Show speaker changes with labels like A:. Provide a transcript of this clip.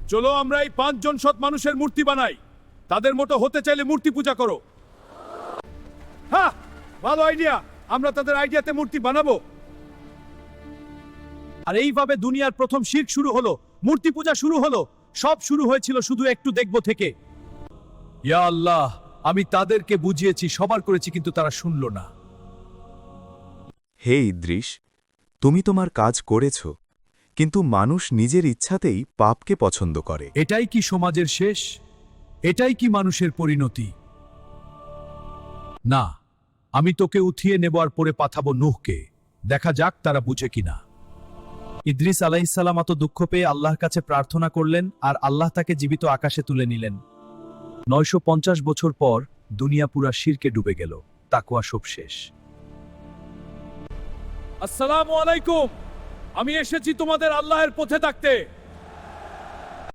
A: চলো আমরা এই 5 জন সৎ মানুষের মূর্তি বানাই। তাদের মতো হতে চাইলে মূর্তি পূজা করো। হ্যাঁ, ভালো আইডিয়া। আমরা তাদের আইডিয়াতে মূর্তি বানাবো। আর এইভাবে দুনিয়ার প্রথম শিরক শুরু হলো, মূর্তি পূজা শুরু হলো। সব শুরু হয়েছিল শুধু একটু দেখবো থেকে। ইয়া আল্লাহ, আমি তাদেরকে বুঝিয়েছি, সবার করেছি, কিন্তু তারা শুনল না।
B: হে ইদ্রিস, তুমি তোমার কাজ করেছ, কিন্তু মানুষ নিজের ইচ্ছাতেই পাপকে পছন্দ করে।
A: এটাই কি সমাজের শেষ? এটাই কি মানুষের পরিণতি? না, আমি তোকে উঠিয়ে নেব আর পরে পাঠাবো নূহকে। দেখা যাক তারা বুঝে কিনা। ইদ্রিস আলাইহিসসালাম এত দুঃখ পেয়ে আল্লাহর কাছে প্রার্থনা করলেন, আর আল্লাহ তাকে জীবিত আকাশে তুলে নিলেন। 950 বছর পর দুনিয়া পুরা শিরকে ডুবে গেল। তাকওয়া সব শেষ। আসসালামু আলাইকুম। আমি এসেছি তোমাদের আল্লাহর পথে থাকতে।